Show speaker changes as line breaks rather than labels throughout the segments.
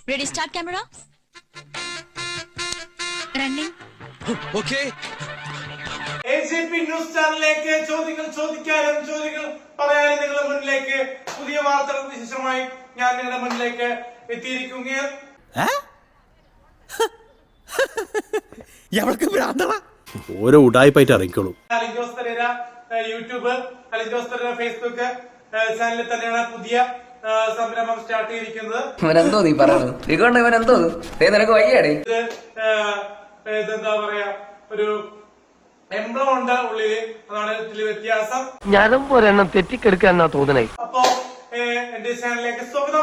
Ready, start camera. Running.
Okay.
AJP news ചാനലിലേക്ക് ചോദ്യങ്ങൾ ചോദിക്കാനും ചോദ്യങ്ങൾ പറയാനും നിങ്ങളുടെ മുന്നിലേക്ക് പുതിയ വാർത്തകൾക്ക് വിശേഷമായി ഞാൻ നിങ്ങളുടെ മുന്നിലേക്ക് എത്തിയിരിക്കുകയാണ്.
ഓരോ ഉടായിപ്പായിട്ട് ഇറങ്ങിക്കോളൂ.
അലിജോസ് പെരേര യൂട്യൂബ്, അലിജോസ് പെരേര ഫേസ്ബുക്ക് ചാനലിൽ തന്നെയാണ് പുതിയ സംരംഭം സ്റ്റാർട്ട് ചെയ്തിരിക്കുന്നത്.
ഇവനെന്തോ നീ പറയുന്നത്? ഇവനെന്തോ നിനക്ക് വയ്യാടേ?
ഇതെന്താ പറയാ, ഒരു എംബ്ലം ഉണ്ട് ഉള്ളില്, അതാണ് ഇതില് വ്യത്യാസം.
ഞാനും ഒരെണ്ണം തെറ്റിക്കെടുക്കാന്നാ തോന്നണേ.
അപ്പോ എന്റെ ചാനലിലേക്ക് സ്വാഗതം.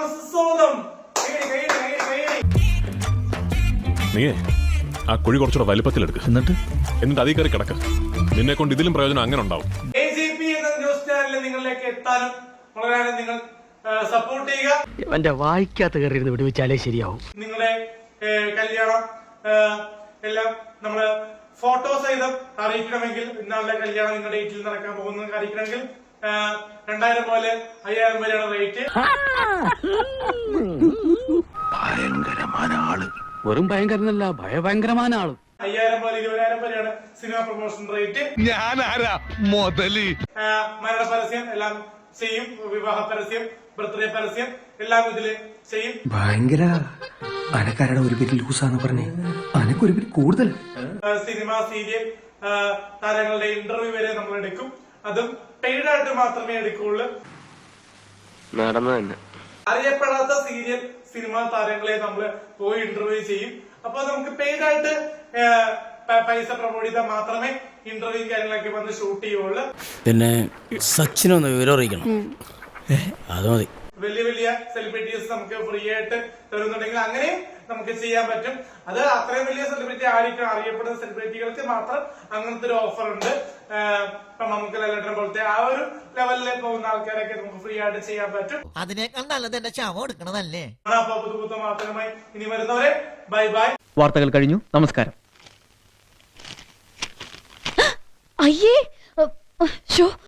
നീയേ ആ കുഴി കുറച്ചുകൂടെ വലിപ്പത്തിലെടുക്കുക, എന്നിട്ട് അതീ കയറി കിടക്ക. നിന്നെ കൊണ്ട് ഇതിലും പ്രയോജനം അങ്ങനെ ഉണ്ടാവും.
AJP എന്ന ന്യൂസ് ചാനലിൽ നിങ്ങളിലേക്ക് എത്താനും വളരെ നിങ്ങൾ സപ്പോർട്ട് ചെയ്യുക.
എന്റെ വായിക്കാത്ത കയറി വിടുവിച്ചാലേ ശരിയാവും.
നിങ്ങളുടെ കല്യാണം എല്ലാം നമ്മള് ഫോട്ടോ സഹിതം അറിയിക്കണമെങ്കിൽ, ഇന്നാളുടെ കല്യാണം നിങ്ങളുടെ ഡേറ്റിൽ നടക്കാൻ പോകുന്നത് അറിയിക്കണമെങ്കിൽ 2000 പോലെ 5000 വരെയാണ് റേറ്റ്.
ഭയങ്കരമായ ആള്.
വെറും ഭയങ്കരനല്ല, ഭയങ്കരമായ ആള്.
5000 പോലെ 20,000 വരെയാണ് സിനിമ പ്രൊമോഷൻ റേറ്റ്.
ഞാനാരാ മുതല്?
മരണ പരസ്യം എല്ലാം ചെയ്യും, വിവാഹ പരസ്യം, ബർത്ത്ഡേ പരസ്യം എല്ലാം ഇതില് ചെയ്യും.
ഭയങ്കര അനക്കാരുടെ ഒരു പേര് ലൂസാന്ന് പറഞ്ഞേ, അനക്കൊരു പേര് കൂടുതൽ.
സിനിമ, സീരിയൽ താരങ്ങളുടെ ഇന്റർവ്യൂ വരെ നമ്മൾ എടുക്കും. അതും പെയ്ഡ് ആയിട്ട് മാത്രമേ എടുക്കുള്ളൂ.
നടന്നു തന്നെ.
അറിയപ്പെടാത്ത സീരിയൽ സിനിമ താരങ്ങളെ നമ്മൾ പോയി ഇന്റർവ്യൂ ചെയ്യും. അപ്പൊ നമുക്ക് പെയ്ഡ് ആയിട്ട് പൈസ പ്രൊമോട്ട് ചെയ്താൽ മാത്രമേ ഇന്റർവ്യൂ കാര്യങ്ങളൊക്കെ വന്ന് ഷൂട്ട് ചെയ്യുള്ളൂ.
പിന്നെ സച്ചിനൊന്ന് വിവരം അറിയിക്കണം. അത് മതി.
വലിയ വലിയ സെലിബ്രിറ്റീസ് നമുക്ക് ഫ്രീ ആയിട്ട് തരുന്നുണ്ടെങ്കിൽ അങ്ങനെയും നമുക്ക് ചെയ്യാൻ പറ്റും. അത് അത്രയും വലിയ സെലിബ്രിറ്റി ആയിരിക്കും, അറിയപ്പെടുന്ന സെലിബ്രിറ്റികൾക്ക് മാത്രം അങ്ങനത്തെ ഒരു ഓഫർ ഉണ്ട്. ഇപ്പൊ നമുക്ക് ലാലേട്ടനെ പോലത്തെ ആ ഒരു ലെവലിൽ പോകുന്ന ആൾക്കാരൊക്കെ നമുക്ക് ഫ്രീ ആയിട്ട് ചെയ്യാൻ പറ്റും.
അതിനേക്കാൾ നല്ലത് എന്റെ ശവം എടുക്കണതല്ലേ.
അപ്പൊ പുതു മാത്രമായി ഇനി വരുന്നവരെ ബൈ ബൈ.
വാർത്തകൾ കഴിഞ്ഞു. നമസ്കാരം.
അയ്യേ.